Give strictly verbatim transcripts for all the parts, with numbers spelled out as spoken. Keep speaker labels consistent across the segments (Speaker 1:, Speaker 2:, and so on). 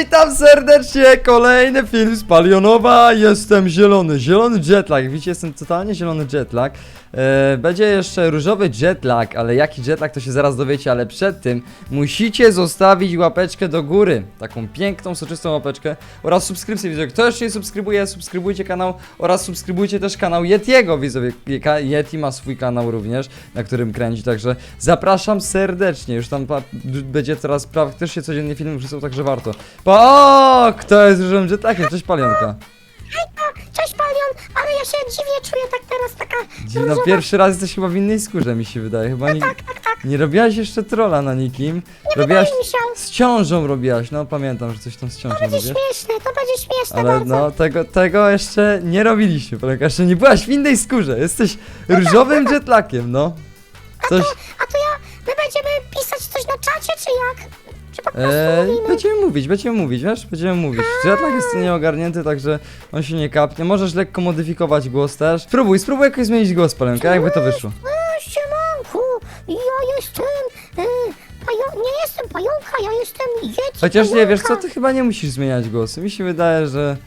Speaker 1: witam serdecznie, kolejny film z Palionowa. Jestem zielony, zielony jetlag. Widzicie, jestem totalnie zielony jetlag. e, Będzie jeszcze różowy jetlag, ale jaki jetlag to się zaraz dowiecie. Ale przed tym musicie zostawić łapeczkę do góry, taką piękną, soczystą łapeczkę oraz subskrypcję, widzowie. Kto jeszcze nie subskrybuje, subskrybujcie kanał oraz subskrybujcie też kanał Yetiego, widzowie. Yeti ma swój kanał również, na którym kręci, także zapraszam serdecznie. Już tam będzie teraz praktycznie codziennie film wrzucał, także warto. Pa, o, kto jest różowym jetlagiem? Cześć Palionka.
Speaker 2: Cześć Palion, ale ja się dziwnie czuję tak teraz, taka
Speaker 1: No
Speaker 2: różowa.
Speaker 1: pierwszy raz jesteś chyba w innej skórze, mi się wydaje. Chyba nie,
Speaker 2: Tak, tak, tak,
Speaker 1: nie robiłaś jeszcze trolla na nikim.
Speaker 2: nie
Speaker 1: Robiłaś
Speaker 2: wydaje mi się.
Speaker 1: z ciążą robiłaś, no pamiętam, że coś tam z
Speaker 2: To
Speaker 1: ciążą
Speaker 2: będzie
Speaker 1: robisz.
Speaker 2: śmieszne, to będzie śmieszne
Speaker 1: Ale
Speaker 2: bardzo.
Speaker 1: no, tego, tego jeszcze nie robiliśmy, Palionka, jeszcze nie byłaś w innej skórze. Jesteś różowym jetlagiem, no. Coś...
Speaker 2: A to ja, my będziemy pisać coś na czacie, czy jak? Czy po prostu
Speaker 1: Eee,
Speaker 2: mówimy?
Speaker 1: będziemy mówić, będziemy mówić, wiesz? Będziemy mówić. Jetlag jest nieogarnięty, także on się nie kapnie. Możesz lekko modyfikować głos też. Spróbuj, spróbuj jakoś zmienić głos, Palenka, jakby to wyszło.
Speaker 2: E, Siemanku, ja jestem, e, pajo... nie jestem pająka, ja jestem Yeti.
Speaker 1: Chociaż nie, wiesz co,
Speaker 2: pająka.
Speaker 1: ty chyba nie musisz zmieniać głosu. Mi się wydaje, że...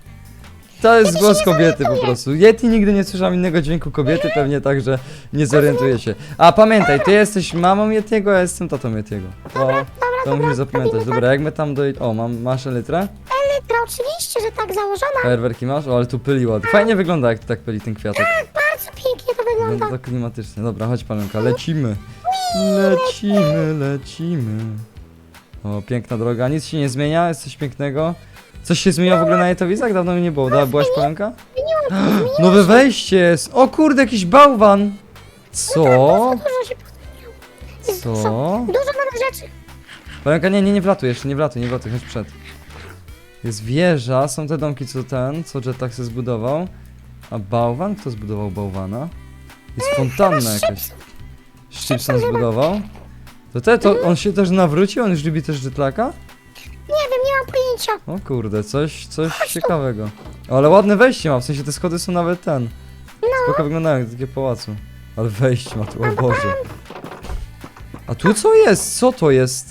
Speaker 1: To jest
Speaker 2: Yeti
Speaker 1: głos
Speaker 2: się nie
Speaker 1: kobiety po
Speaker 2: zorientuje.
Speaker 1: prostu. Yeti nigdy nie słyszałam innego dźwięku kobiety, pewnie tak, że nie zorientuje się. A pamiętaj, ty jesteś mamą Yetiego, a ja jestem tatą Yetiego. To, to musisz zapamiętać. Dobra, jak my tam doj... O, mam, masz elytrę?
Speaker 2: Elytra, oczywiście, że tak założona.
Speaker 1: Fajerwerki masz? O, ale tu pyli ładnie. Fajnie wygląda, jak tak pyli ten kwiatek.
Speaker 2: Tak, bardzo pięknie to wygląda.
Speaker 1: Wygląda to klimatycznie. Dobra, chodź Palenka, lecimy. Lecimy, lecimy. O, piękna droga, nic się nie zmienia, jest coś pięknego. Coś się zmieniło w ogóle na jetowizach? Dawno mi nie było, da, byłaś Palenka?
Speaker 2: Zmieniłam się, zmieniłam
Speaker 1: Nowe wejście jest! O kurde, jakiś bałwan! Co?
Speaker 2: Dużo się pozmieniało. Jest
Speaker 1: Co?
Speaker 2: Dużo, dużo nowych rzeczy.
Speaker 1: Palenka, nie, nie, nie wlatuj jeszcze, nie wlatuj, nie wlatuj, chodź przed. Jest wieża, są te domki, co ten, co jetlag się zbudował. A bałwan? Kto zbudował bałwana? Jest fontanna jakaś. Szczypson zbudował. To te, to on się też nawrócił? On już lubi też jetlaga?
Speaker 2: Nie wiem, nie mam pojęcia.
Speaker 1: O kurde, coś, coś ciekawego. O, ale ładne wejście ma, w sensie te schody są nawet ten. Spoko wyglądają jak takie pałacu. Ale wejście ma tu, o Boże. A tu co jest? Co to jest?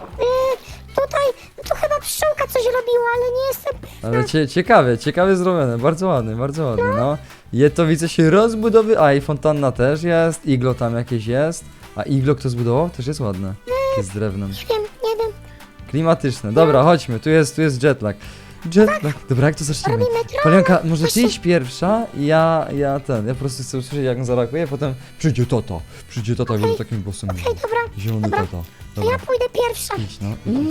Speaker 2: Yy, tutaj, tu chyba pszczółka coś robiła, ale nie jestem pewna.
Speaker 1: Ale cie, ciekawie, ciekawie zrobione, bardzo ładny, bardzo ładny, no. Jetowice się rozbudowy, a i fontanna też jest, iglo tam jakieś jest. A iglo kto zbudował? Też jest ładne. Takie z drewnem.
Speaker 2: Nie wiem, nie wiem.
Speaker 1: Klimatyczne. Dobra, chodźmy, tu jest, tu jest jetlag. Jetlag. Dobra, jak to zaczniemy?
Speaker 2: Robimy troll.
Speaker 1: Palionka, może ty
Speaker 2: Właśnie.
Speaker 1: idź pierwsza, ja, ja ten, ja po prostu chcę usłyszeć jak on zareaguje, potem przyjdzie tata, przyjdzie tata, okay. takim głosem.
Speaker 2: Okej, dobra,
Speaker 1: Zielony
Speaker 2: dobra.
Speaker 1: tata.
Speaker 2: to
Speaker 1: Dobra,
Speaker 2: ja pójdę pierwsza.
Speaker 1: idź no.
Speaker 2: Yy,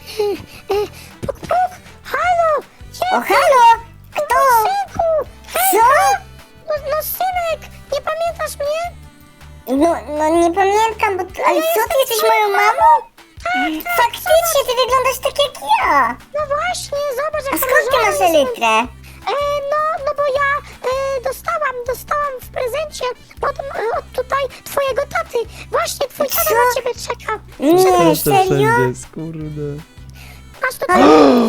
Speaker 2: yy, puk, puk, halo,
Speaker 3: O, halo! Kto?
Speaker 2: synku,
Speaker 3: Co?
Speaker 2: no, no synek, nie pamiętasz mnie?
Speaker 3: No, no nie pamiętam, bo... Ale co, ty jesteś moją mamą? Faktycznie, ty wyglądasz tak jak ja!
Speaker 2: No właśnie, zobacz
Speaker 3: A
Speaker 2: jak
Speaker 3: skąd ty masz elytrę?
Speaker 2: E, no, no bo ja e, dostałam, dostałam w prezencie od, e, od tutaj twojego taty. Właśnie, twój tata
Speaker 3: Co?
Speaker 2: na ciebie czeka.
Speaker 3: Nie,
Speaker 1: Jeszcze
Speaker 3: serio?
Speaker 1: wszędzie jest, kurde.
Speaker 2: Masz tutaj...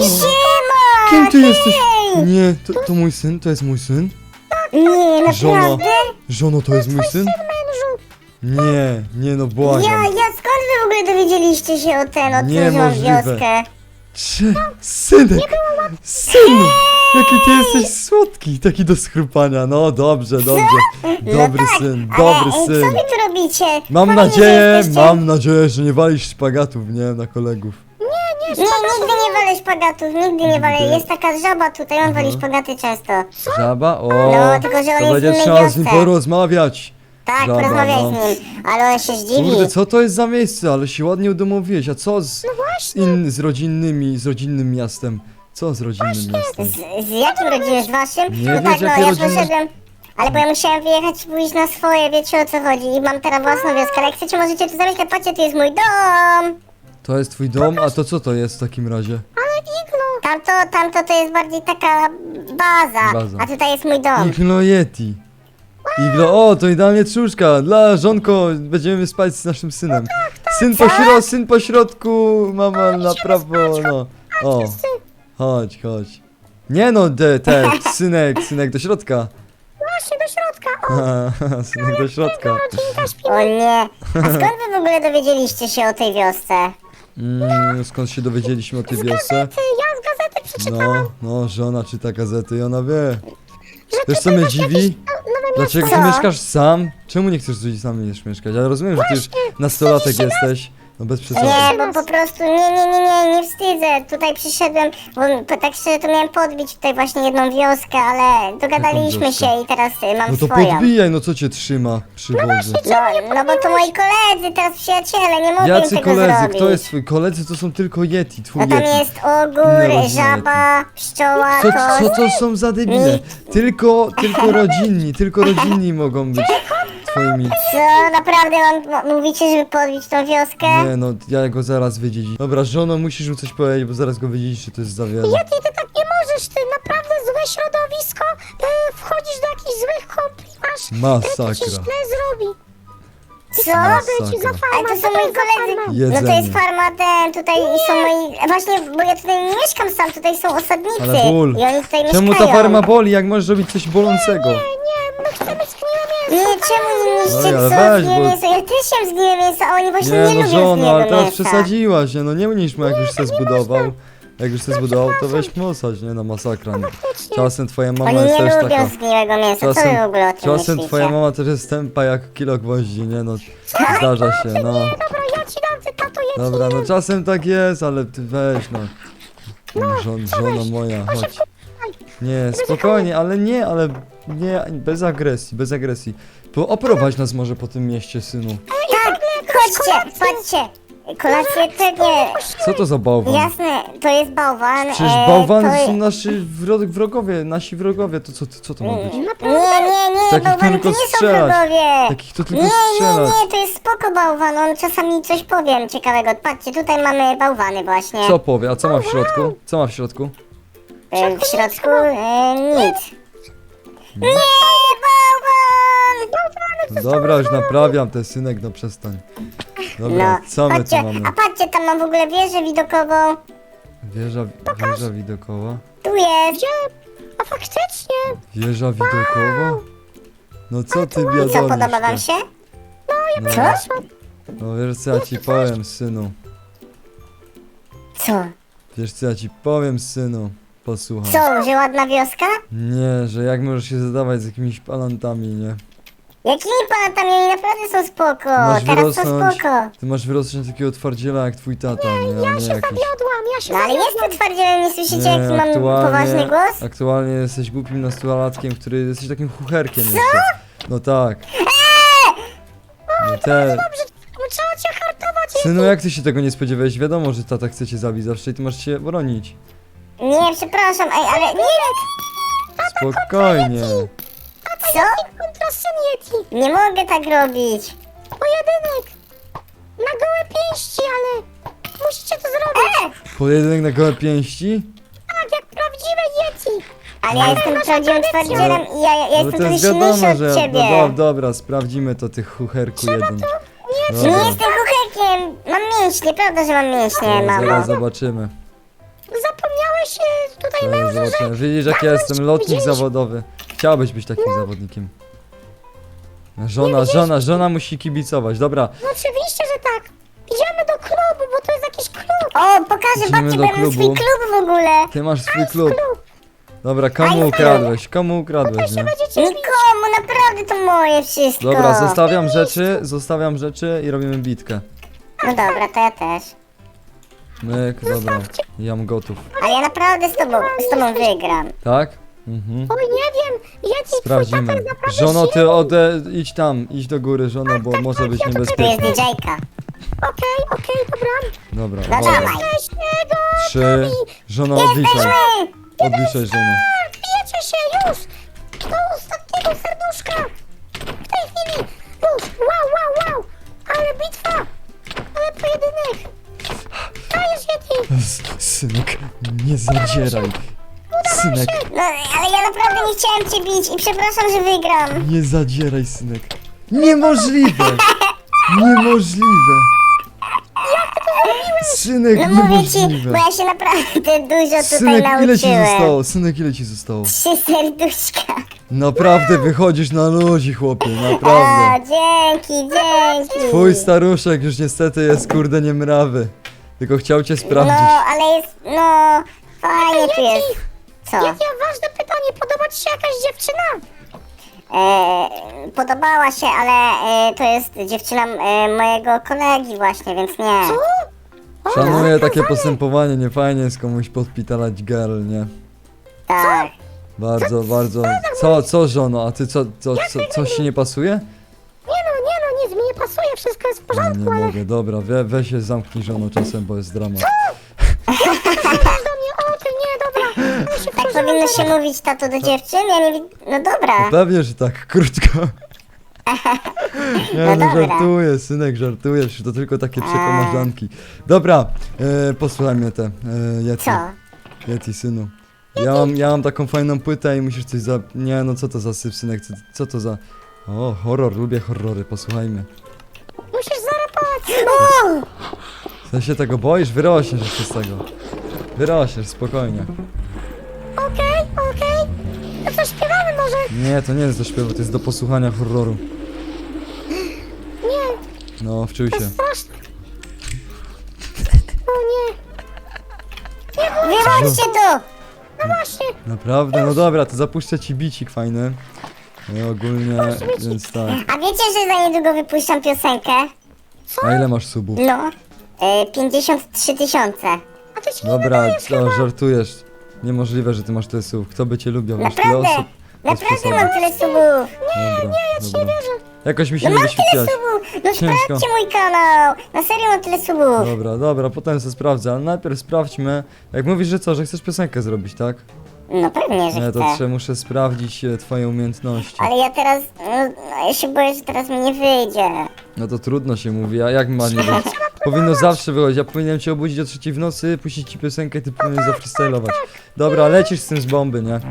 Speaker 3: Siema!
Speaker 1: Kim ty jesteś?
Speaker 3: Hej!
Speaker 1: Nie, to, to mój syn, to jest mój syn?
Speaker 3: Nie,
Speaker 1: Żono,
Speaker 3: naprawdę?
Speaker 1: żono, to jest mój syn?
Speaker 2: Mężu,
Speaker 1: Nie, nie no,
Speaker 3: Ja,
Speaker 1: błagam.
Speaker 3: ja, skąd wy w ogóle dowiedzieliście się o ten, o tym, że mam
Speaker 1: Niemożliwe.
Speaker 3: wioskę?
Speaker 1: Czy, synek, synu, jaki ty jesteś słodki, taki do schrupania, no dobrze, dobrze, dobry
Speaker 3: no tak,
Speaker 1: syn,
Speaker 3: ale,
Speaker 1: dobry
Speaker 3: ej,
Speaker 1: syn.
Speaker 3: co wy tu robicie?
Speaker 1: Mam
Speaker 3: Fajnie, że
Speaker 1: nadzieję,
Speaker 3: jesteście-
Speaker 1: mam nadzieję, że nie walisz szpagatów, nie, na kolegów.
Speaker 3: Nie, nigdy nie walę szpagatów, nigdy nie walę. Jest taka żaba tutaj, on wali szpagaty często.
Speaker 1: Żaba? O,
Speaker 3: No, tylko że on
Speaker 1: to
Speaker 3: jest w
Speaker 1: będzie
Speaker 3: innej
Speaker 1: trzeba z nim
Speaker 3: wiosce.
Speaker 1: porozmawiać.
Speaker 3: Tak,
Speaker 1: Żaba,
Speaker 3: porozmawiaj
Speaker 1: no.
Speaker 3: z nim, ale on się zdziwi.
Speaker 1: Kurde, co to jest za miejsce, ale się ładnie udomowiłeś, a co z,
Speaker 2: no
Speaker 1: z,
Speaker 2: właśnie.
Speaker 1: in, z rodzinnymi, z rodzinnym miastem? Co z rodzinnym miastem?
Speaker 3: Z, z jakim rodzinie? Z waszym?
Speaker 1: Nie
Speaker 3: no
Speaker 1: wiesz,
Speaker 3: tak, no
Speaker 1: jakie
Speaker 3: ja
Speaker 1: rodziny-
Speaker 3: poszedłem. Ale bo ja musiałem wyjechać i pójść na swoje, wiecie o co chodzi. I mam teraz własną wioskę, ale jak chcecie, możecie tu zamieszkać. Patrzcie, tu jest mój dom.
Speaker 1: To jest twój dom, a to co to jest w takim razie?
Speaker 2: Ale iglo.
Speaker 3: Tamto, tamto to jest bardziej taka baza.
Speaker 1: Baza.
Speaker 3: A tutaj jest mój dom.
Speaker 1: Iglo Yeti. Iglo, o, to idealnie trzóżka. Dla żonko, będziemy spać z naszym synem. Syn po, śro, syn po środku, mama na prawo, no. O, chodź, chodź. Nie no, te, te, synek, synek do środka.
Speaker 2: Właśnie do środka. O,
Speaker 1: Synek do środka.
Speaker 2: rodzinka śpi.
Speaker 3: O nie. A skąd wy w ogóle dowiedzieliście się o tej wiosce?
Speaker 1: Mm, skąd się dowiedzieliśmy o tej wiosce?
Speaker 2: Ty, ja z gazety przeczytałam,
Speaker 1: No, no, żona czyta gazety i ona wie.
Speaker 2: że
Speaker 1: Wiesz co
Speaker 2: tutaj
Speaker 1: mnie
Speaker 2: masz
Speaker 1: dziwi?
Speaker 2: jakieś no- nowe miasto.
Speaker 1: Dlaczego ty
Speaker 3: Co?
Speaker 1: mieszkasz sam? Czemu nie chcesz z sam nie mieszkać? Ja rozumiem, że ty już nastolatek jesteś. No bez przesady.
Speaker 3: Nie, bo po prostu nie, nie, nie, nie, nie wstydzę. Tutaj przyszedłem, bo po- tak szczerze to miałem podbić tutaj właśnie jedną wioskę, ale dogadaliśmy
Speaker 1: wioskę?
Speaker 3: się i teraz y, mam
Speaker 1: No to
Speaker 3: swoją.
Speaker 1: podbijaj, no co cię trzyma przy wozie?
Speaker 3: No, no bo to moi koledzy, teraz przyjaciele, nie mogę im
Speaker 1: Jacy
Speaker 3: tego
Speaker 1: koledzy?
Speaker 3: zrobić.
Speaker 1: Kto jest twój? Koledzy to są tylko Yeti, twój
Speaker 3: No tam
Speaker 1: Yeti.
Speaker 3: jest
Speaker 1: Inne
Speaker 3: ogór,
Speaker 1: rodziny
Speaker 3: żaba, pszczoła,
Speaker 1: Co,
Speaker 3: koz.
Speaker 1: co to są za debile? Tylko, tylko rodzinni, tylko rodzinni mogą być twoimi.
Speaker 3: Co, naprawdę mam, m- mówicie, żeby podbić tą wioskę?
Speaker 1: Nie no, ja go zaraz wydziedziczę. Dobra, żono, musisz mu coś powiedzieć, bo zaraz go wydziedzisz, że to jest za wiele.
Speaker 2: Yeti, ty tak nie możesz, ty naprawdę złe środowisko, e, wchodzisz do jakichś złych kumpli, masz, e, to ci
Speaker 1: Masakra.
Speaker 2: źle zrobi.
Speaker 3: Co?
Speaker 2: Co ci za
Speaker 1: Masakra.
Speaker 3: Ale
Speaker 2: farma,
Speaker 3: to są
Speaker 2: co
Speaker 3: moi
Speaker 2: jest za
Speaker 3: koledzy.
Speaker 2: farma?
Speaker 1: Jedzenie.
Speaker 3: No to jest farma ten, tutaj są moi... Właśnie, bo ja tutaj nie mieszkam sam, tutaj są osadnicy.
Speaker 1: Ale ból.
Speaker 3: I oni tutaj
Speaker 1: Czemu
Speaker 3: mieszkają.
Speaker 1: ta farma boli, jak możesz robić coś bolącego?
Speaker 2: Nie, nie, my chcemy zgniłe
Speaker 3: Nie,
Speaker 2: mięso.
Speaker 3: czemu nie
Speaker 1: No
Speaker 3: mieliście
Speaker 1: i ale
Speaker 3: co
Speaker 1: weź,
Speaker 3: zgniłe
Speaker 1: bo-
Speaker 3: mięso? Ja też jem zgniłe mięso, a oni właśnie nie,
Speaker 1: Nie no
Speaker 3: lubią
Speaker 1: żono,
Speaker 3: zgniłego
Speaker 1: ale teraz
Speaker 3: mięsa.
Speaker 1: przesadziłaś, nie no nie mnisz mu, jak już się zbudował. Jak już się zbudował, to weź mu osać, nie no masakra. Nie. Czasem twoja mama
Speaker 3: Oni
Speaker 1: jest
Speaker 3: nie
Speaker 1: też
Speaker 3: lubią
Speaker 1: taka...
Speaker 3: zgniłego mięsa, co wy w
Speaker 1: Czasem,
Speaker 3: ogóle o tym
Speaker 1: czasem
Speaker 3: myślicie?
Speaker 1: twoja mama też jest tępa jak kilo gwoździ, nie no. Zdarza się, no.
Speaker 2: Dobra, ja ci dam, ty tato, jedz.
Speaker 1: Dobra, no czasem tak jest, ale ty weź no. Żon, żona moja, chodź. Nie, spokojnie, ale nie, ale nie, bez agresji, bez agresji. Bo oprowadź nas może po tym mieście, synu.
Speaker 3: Tak, chodźcie, patrzcie. Kolację to nie...
Speaker 1: Co to za bałwan?
Speaker 3: Jasne, to jest bałwan.
Speaker 1: Przecież
Speaker 3: e,
Speaker 1: bałwany
Speaker 3: to...
Speaker 1: są nasi wro- wrogowie, nasi wrogowie, to co, co to ma być?
Speaker 3: Nie, nie, nie,
Speaker 1: Takich
Speaker 3: bałwany
Speaker 1: tylko
Speaker 3: to nie są
Speaker 1: strzelać.
Speaker 3: wrogowie.
Speaker 1: Takich to tylko
Speaker 3: Nie, nie,
Speaker 1: strzelać.
Speaker 3: nie, to jest spoko bałwan, on czasami coś powiem ciekawego. Patrzcie, tutaj mamy bałwany właśnie.
Speaker 1: Co powie, a co ma w środku? Co ma w środku?
Speaker 3: E, w środku e, nic. Nie, bałwan!
Speaker 1: Dobra, już naprawiam ten synek, no przestań. Dobra,
Speaker 3: No,
Speaker 1: co my tu
Speaker 3: patrzcie,
Speaker 1: mamy?
Speaker 3: a patrzcie, tam mam w ogóle wieżę widokową.
Speaker 1: Wieża, wieża widokowa?
Speaker 3: Tu jest.
Speaker 2: Gdzie? A faktycznie.
Speaker 1: Wieża widokowa? No co ty
Speaker 3: I
Speaker 1: biadolisz?
Speaker 3: co, podoba wam się?
Speaker 1: No,
Speaker 3: Co?
Speaker 1: no wiesz co ja ci powiem, synu.
Speaker 3: Co?
Speaker 1: Wiesz co ja ci powiem, synu. Posłuchaj.
Speaker 3: Co, że ładna wioska?
Speaker 1: Nie, że jak możesz się zadawać z jakimiś palantami, nie?
Speaker 3: Jakimi panatami? Oni naprawdę są spoko.
Speaker 1: Masz
Speaker 3: Teraz są
Speaker 1: wyrosnąć-
Speaker 3: spoko.
Speaker 1: Ty masz wyrosnąć na takiego twardziela jak twój tata, nie? A nie jakiś...
Speaker 2: Zawiodłam, ja się
Speaker 3: No ale
Speaker 2: zawiodłam.
Speaker 3: jestem twardzielem, nie słyszycie jaki mam
Speaker 1: aktualnie-
Speaker 3: poważny głos?
Speaker 1: Aktualnie jesteś głupim nastolatkiem, który jesteś takim chucherkiem jeszcze. No tak. No te...
Speaker 2: Trzeba cię hartować.
Speaker 1: Synu, jak ty się tego nie spodziewałeś? Wiadomo, że tata chce cię zabić zawsze i ty masz się bronić.
Speaker 3: Nie, przepraszam, ej, ale nie,
Speaker 1: Spokojnie.
Speaker 3: co?
Speaker 2: Kontra syn Yeti.
Speaker 3: Nie mogę tak robić.
Speaker 2: Pojedynek. Na gołe pięści, ale musicie to zrobić.
Speaker 1: Pojedynek na gołe pięści?
Speaker 2: Tak, jak prawdziwe Yeti.
Speaker 3: Ale ja jestem prawdziwym twardzielem i ja, ja, ja
Speaker 1: No
Speaker 3: jestem
Speaker 1: to
Speaker 3: trochę
Speaker 1: jest
Speaker 3: silniejszy
Speaker 1: wiadomo,
Speaker 3: od
Speaker 1: że...
Speaker 3: ciebie.
Speaker 1: No, do, dobra, sprawdzimy to, ty chucherku jeden.
Speaker 3: Nie
Speaker 1: Dobra,
Speaker 3: jestem kuchekiem, mam mięśnie, prawda, że mam mięśnie,
Speaker 1: no,
Speaker 3: mamo?
Speaker 1: zaraz zobaczymy.
Speaker 2: Zapomniałeś e, tutaj
Speaker 1: Zaraz
Speaker 2: mężu, że...
Speaker 1: zobaczymy. Widzisz, jak ja jestem lotnik zawodowy. Chciałbyś być takim zawodnikiem. Żona, żona, żona musi kibicować, dobra.
Speaker 2: No oczywiście, że tak. Idziemy do klubu, bo to jest jakiś klub.
Speaker 3: O, pokażę,
Speaker 1: Idziemy
Speaker 3: babcie,
Speaker 1: do
Speaker 3: bo ja mam swój
Speaker 1: klubu.
Speaker 3: klub w ogóle.
Speaker 1: Ty masz swój klub.
Speaker 2: Klub.
Speaker 1: Dobra, komu ukradłeś? Komu ukradłeś, nie?
Speaker 2: Będziecie
Speaker 3: Nikomu, naprawdę to moje wszystko.
Speaker 1: Dobra, zostawiam rzeczy, zostawiam rzeczy i robimy bitkę.
Speaker 3: No dobra, to ja też.
Speaker 1: Myk, dobra, ja mam gotów.
Speaker 3: Ale ja naprawdę z tobą, z tobą wygram.
Speaker 1: Tak? Mhm.
Speaker 2: Oj, nie wiem. Yeti, twój tata
Speaker 1: Sprawdzimy.
Speaker 2: jest naprawdę
Speaker 1: Żono, ty
Speaker 2: silny.
Speaker 1: ode... idź tam, idź do góry, żono, bo może być
Speaker 3: Tu jest
Speaker 1: niebezpiecznie.
Speaker 3: didżejka.
Speaker 2: Okej, okej, dobra.
Speaker 1: Dobra,
Speaker 3: No
Speaker 1: uwaga.
Speaker 3: dawaj.
Speaker 2: Weźmy go.
Speaker 1: Trzy, żono, odliczaj.
Speaker 3: Jesteśmy!
Speaker 1: Odliczaj, żono.
Speaker 2: Bijecie się już. Do ostatniego serduszka. W tej chwili. Już. Wow, wow, wow. Ale bitwa. Ale pojedynek. Dajesz, Yeti.
Speaker 1: S- Synek, nie zadzieraj. Synek,
Speaker 3: No, ale ja naprawdę nie chciałem cię bić i przepraszam, że wygram.
Speaker 1: nie zadzieraj, synek. Niemożliwe! Niemożliwe! Synek,
Speaker 3: No mówię ci, bo
Speaker 1: niemożliwe!
Speaker 3: ja się naprawdę dużo tutaj
Speaker 1: Synek, ile ci
Speaker 3: nauczyłem.
Speaker 1: zostało? Synek, ile ci zostało?
Speaker 3: Trzy serduszka.
Speaker 1: Naprawdę wychodzisz na ludzi, chłopie,
Speaker 3: O,
Speaker 1: naprawdę.
Speaker 3: dzięki, dzięki.
Speaker 1: Twój staruszek już niestety jest kurde niemrawy. Tylko chciał cię
Speaker 3: No,
Speaker 1: sprawdzić.
Speaker 3: ale jest, no, fajnie tu jest. Co?
Speaker 2: Jakie ważne pytanie, podoba ci się jakaś dziewczyna?
Speaker 3: E, podobała się, ale e, to jest dziewczyna e, mojego kolegi właśnie, więc nie.
Speaker 2: Co? O,
Speaker 1: Szanuję takie
Speaker 2: zakazane.
Speaker 1: postępowanie, nie fajnie jest komuś podpitalać girl, nie?
Speaker 3: Tak.
Speaker 1: Bardzo, bardzo. Co, co żono, a ty co, co, co coś ci nie pasuje?
Speaker 2: Nie no, nie no, nic mi nie pasuje, wszystko jest w
Speaker 1: No,
Speaker 2: porządku,
Speaker 1: nie
Speaker 2: ale
Speaker 1: mogę, dobra, we, weź się zamknij żono czasem, bo jest dramat.
Speaker 2: mówisz do mnie, o ty nie, dobra. Ja się
Speaker 3: Tak
Speaker 2: wkurzę,
Speaker 3: powinno
Speaker 2: dobra.
Speaker 3: się mówić, tato, do dziewczyn? Ja nie widzę. No dobra.
Speaker 1: Pewnie, że tak, krótko. Nie
Speaker 3: No
Speaker 1: no,
Speaker 3: dobra.
Speaker 1: żartuję, synek, żartuję, że to tylko takie przekomarzanki. Dobra, e, posłuchaj mnie te, e, Yeti,
Speaker 3: Co?
Speaker 1: Yeti, synu. Ja mam, ja mam taką fajną płytę i musisz coś za... Nie no, co to za syf, synek, co, co to za... O, horror, lubię horrory, posłuchajmy.
Speaker 2: Musisz zarapować.
Speaker 3: O!
Speaker 1: W sensie tego boisz? Wyrośniesz jeszcze z tego. Wyrośniesz, spokojnie.
Speaker 2: Okej, okej. To co, śpiewamy może?
Speaker 1: Nie, to nie jest do śpiewu, to jest do posłuchania horroru.
Speaker 2: Nie,
Speaker 1: No, wczuj się.
Speaker 2: straszne. O nie,
Speaker 3: Wychodźcie tu!
Speaker 2: no właśnie.
Speaker 1: Naprawdę? No dobra, to zapuszczę ci bicik fajny. No ogólnie, więc tak.
Speaker 3: A wiecie, że za niedługo wypuszczam piosenkę?
Speaker 1: A ile masz subów?
Speaker 3: No. E, pięćdziesiąt trzy tysiące.
Speaker 2: A ty się nie
Speaker 1: Dobra,
Speaker 2: nadajesz
Speaker 1: to
Speaker 2: chyba.
Speaker 1: żartujesz. Niemożliwe, że ty masz tyle subów. Kto by cię lubił? Masz tyle
Speaker 3: Naprawdę.
Speaker 1: osób? Bez
Speaker 3: Naprawdę
Speaker 1: przesady.
Speaker 3: mam tyle subów.
Speaker 1: Dobra,
Speaker 2: Ja ci nie
Speaker 1: dobra.
Speaker 2: wierzę.
Speaker 1: Jakoś mi się
Speaker 3: No
Speaker 1: nie
Speaker 3: mam tyle
Speaker 1: wyświetliłaś.
Speaker 3: subów. No
Speaker 1: Ciężko.
Speaker 3: sprawdźcie mój kanał. Na serio mam tyle subów.
Speaker 1: Dobra, dobra, potem sobie sprawdzę, ale najpierw sprawdźmy. Jak mówisz, że co, że chcesz piosenkę zrobić, tak?
Speaker 3: No pewnie, że
Speaker 1: Nie, to
Speaker 3: chcę.
Speaker 1: trzeba, muszę sprawdzić e, twoje umiejętności.
Speaker 3: Ale ja teraz, no, no, ja się boję, że teraz mi nie wyjdzie.
Speaker 1: No to trudno się mówi, a jak ma nie być? Powinno zawsze wychodzić, ja powinienem cię obudzić o trzeciej w nocy, puścić ci piosenkę i ty powinieneś zafreestylować. Dobra, lecisz z tym z bomby, nie?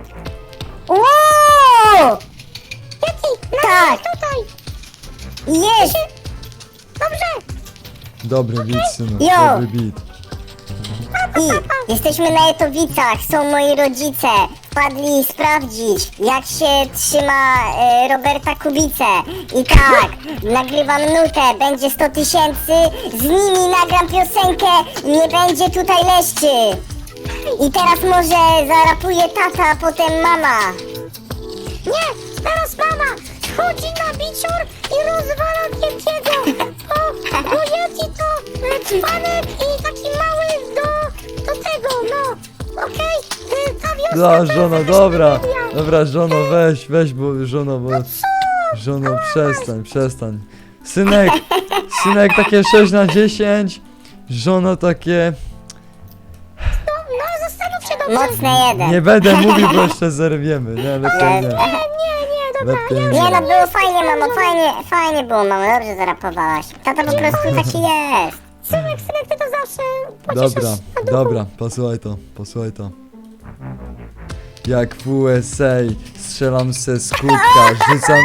Speaker 3: Wow!
Speaker 2: Yeti,
Speaker 3: Tak,
Speaker 2: tutaj.
Speaker 3: jest!
Speaker 2: Dobrze.
Speaker 1: Dobry beat, synu,
Speaker 3: Jo.
Speaker 1: dobry beat.
Speaker 3: I jesteśmy na Jetowicach, są moi rodzice. Wpadli sprawdzić, jak się trzyma e, Roberta Kubicę. I tak, nagrywam nutę, będzie sto tysięcy, z nimi nagram piosenkę i nie będzie tutaj leszczy. I teraz może zarapuje tata, a potem mama.
Speaker 2: Nie, teraz mama wchodzi na bicior i rozwala Yetiego. O, bo Yeti to e, dzbanek i taki mały do, do tego, no. Okej, e, ta wioska
Speaker 1: No,
Speaker 2: to
Speaker 1: żono,
Speaker 2: jest
Speaker 1: dobra,
Speaker 2: media.
Speaker 1: dobra, żono, weź, weź, bo, żono, bo... Żono, przestań, przestań. Synek, synek, takie sześć na dziesięć. Żono, takie...
Speaker 2: No, no, zastanów się dobrze.
Speaker 3: Mocne jeden.
Speaker 1: Nie będę mówił, bo jeszcze zerwiemy, nie, lepiej nie.
Speaker 2: Nie, nie, dobra.
Speaker 1: Lepiej
Speaker 3: Nie
Speaker 1: nie.
Speaker 3: no, było fajnie, mamo, fajnie, fajnie było, mamo, dobrze zarapowałaś. Tata po prostu taki jest.
Speaker 2: Synek, synek, ty to zawsze pocieszasz
Speaker 1: Dobra,
Speaker 2: na duchu.
Speaker 1: dobra, posłuchaj to, posłuchaj to. Jak w U S A strzelam se z kubka, rzucam...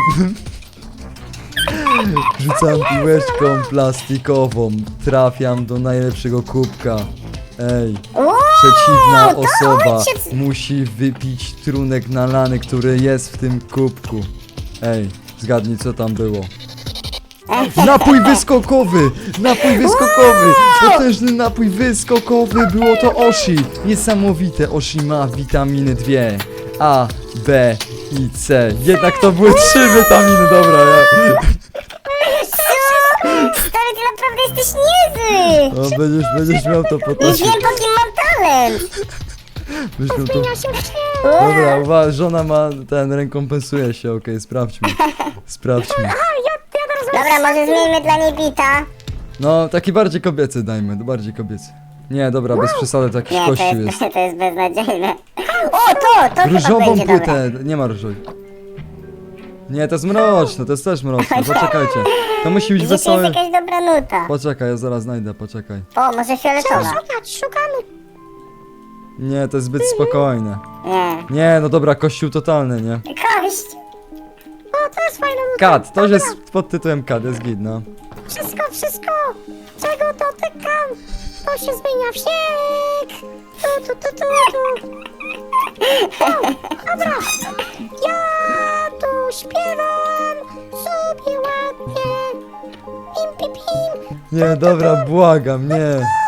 Speaker 1: Rzucam piłeczką plastikową, trafiam do najlepszego kubka. Ej,
Speaker 3: Wow,
Speaker 1: przeciwna
Speaker 3: to
Speaker 1: osoba
Speaker 3: ojciec-
Speaker 1: musi wypić trunek nalany, który jest w tym kubku. Ej, zgadnij co tam było. Napój wyskokowy! Napój wyskokowy! Potężny napój wyskokowy! Było to Oshi! Niesamowite! Oshi ma witaminy dwie. A, B i C. Jednak to były trzy witaminy, dobra. Ja.
Speaker 3: Co? Stary, ty naprawdę jesteś niezły!
Speaker 1: O, będziesz, będziesz miał to
Speaker 3: Już
Speaker 1: potem.
Speaker 3: wiem, po kim mam talent!
Speaker 1: Będziesz miał to...
Speaker 2: Zmienia się w śnieg.
Speaker 1: Dobra, uwaga, żona ma ten, rekompensuje się, okej, sprawdźmy. Sprawdźmy.
Speaker 2: A, ja, ja teraz
Speaker 3: Dobra, może zmieńmy dla niej bita.
Speaker 1: No, taki bardziej kobiecy dajmy, bardziej kobiecy. Nie, dobra, bez przesady, to jakiś
Speaker 3: Nie, to
Speaker 1: kościół
Speaker 3: jest,
Speaker 1: jest.
Speaker 3: to jest beznadziejne. O, to, to chyba
Speaker 1: Różową
Speaker 3: będzie dobre.
Speaker 1: płytę, nie ma różowej. Nie, to jest mroczne, to jest też mroczne, poczekajcie. To musi być
Speaker 3: Gdzie tu jest
Speaker 1: wesoły...
Speaker 3: jakaś dobra nuta?
Speaker 1: Poczekaj, ja zaraz znajdę, poczekaj.
Speaker 3: O, może fioletowa.
Speaker 2: szukać, szukamy.
Speaker 1: Nie, to jest zbyt spokojne.
Speaker 3: Nie.
Speaker 1: Nie, no dobra, kościół totalny, nie?
Speaker 3: Kość!
Speaker 2: O, to jest fajna nuta.
Speaker 1: Kat, to już jest pod tytułem Kat, jest git, no.
Speaker 2: Wszystko, wszystko, czego dotykam, to się zmienia w śnieg. Tu, tu, tu, tu, tu. O, dobra, ja tu śpiewam sobie ładnie. Pim, pim, pim.
Speaker 1: Nie, dobra, błagam, nie.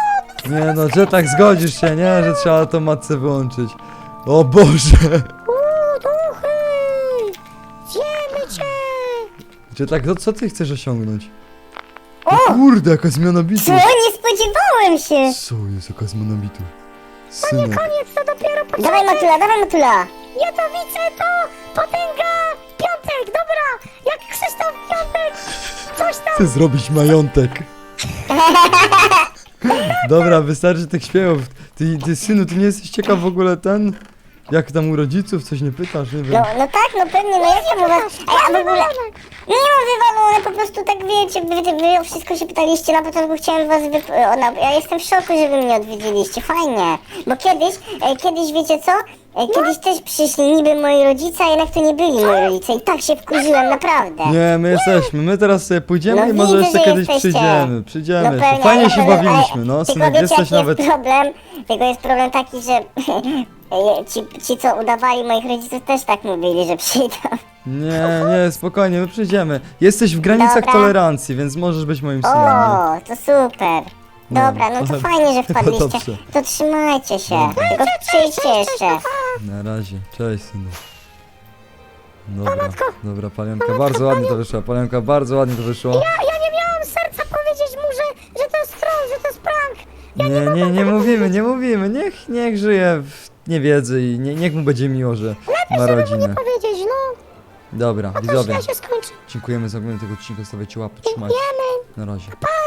Speaker 1: Nie no, jetlag, zgodzisz się, nie? Że trzeba tą matce wyłączyć. O Boże!
Speaker 2: Uuu, duchy! Zjemy cię!
Speaker 1: Jetlag, to co ty chcesz osiągnąć? O kurde, jaka zmiana bitu!
Speaker 3: Co? Nie spodziewałem się!
Speaker 1: Co jest, jaka zmiana bitu? Synek.
Speaker 2: Koniec, to dopiero początek!
Speaker 3: Dawaj Matula, dawaj Matula!
Speaker 2: Jatowice to potęga! Piątek, dobra! Jak Krzysztof Piątek! Coś tam!
Speaker 1: Chcę zrobić majątek. Dobra, wystarczy tych śpiewów. Ty, ty synu, ty nie jesteś ciekaw w ogóle ten? Jak tam u rodziców? Coś nie pytasz, nie wiem.
Speaker 3: No, no tak, no pewnie, no jak ja mu was... Ej, a w ogóle... Nie mam wywalone, po prostu tak wiecie, wy, wy o wszystko się pytaliście, na początku chciałem was wyp... o, na... Ja jestem w szoku, że wy mnie odwiedziliście, fajnie. Bo kiedyś, e, kiedyś wiecie co? E, kiedyś też przyszli niby moi rodzice, a jednak to nie byli moi rodzice i tak się wkurzyłem, naprawdę.
Speaker 1: Nie, my jesteśmy, my teraz sobie pójdziemy
Speaker 3: No
Speaker 1: i może
Speaker 3: widzę,
Speaker 1: jeszcze
Speaker 3: że
Speaker 1: kiedyś
Speaker 3: jesteście.
Speaker 1: przyjdziemy, przyjdziemy
Speaker 3: No
Speaker 1: jeszcze.
Speaker 3: pewnie,
Speaker 1: Fajnie
Speaker 3: ale-
Speaker 1: się
Speaker 3: ale-
Speaker 1: bawiliśmy, no
Speaker 3: Tylko
Speaker 1: synek,
Speaker 3: wiecie,
Speaker 1: jesteś
Speaker 3: jaki
Speaker 1: nawet...
Speaker 3: jest problem? Tylko jest problem taki, że e, ci, ci co udawali moich rodziców też tak mówili, że przyjdą.
Speaker 1: Nie, nie, spokojnie, my przyjdziemy. Jesteś w granicach
Speaker 3: Dobra.
Speaker 1: tolerancji, więc możesz być moim synem. nie?
Speaker 3: O, to super.
Speaker 1: No,
Speaker 3: Dobra, no to
Speaker 1: ale-
Speaker 3: fajnie, że
Speaker 1: chyba
Speaker 3: wpadliście.
Speaker 1: dobrze.
Speaker 3: To trzymajcie się.
Speaker 1: Dobra.
Speaker 3: Tylko przyjdźcie jeszcze.
Speaker 1: Na razie, cześć synu. Dobra, dobra, Palionka, bardzo ładnie to wyszło, Palionka, bardzo ładnie to wyszło.
Speaker 2: Ja, ja nie miałam serca powiedzieć mu, że, że to jest troll, że to jest prank!
Speaker 1: Nie, nie, nie mówimy, nie mówimy, niech, niech żyje w niewiedzy i nie, niech mu będzie miło, że ma rodzinę.
Speaker 2: Powiedzieć, no,
Speaker 1: Dobra,
Speaker 2: to
Speaker 1: widzowie,
Speaker 2: źle się skończy.
Speaker 1: dziękujemy za oglądanie tego odcinka, stawiajcie łapy, trzymajcie,
Speaker 2: Wiemy!
Speaker 1: na razie.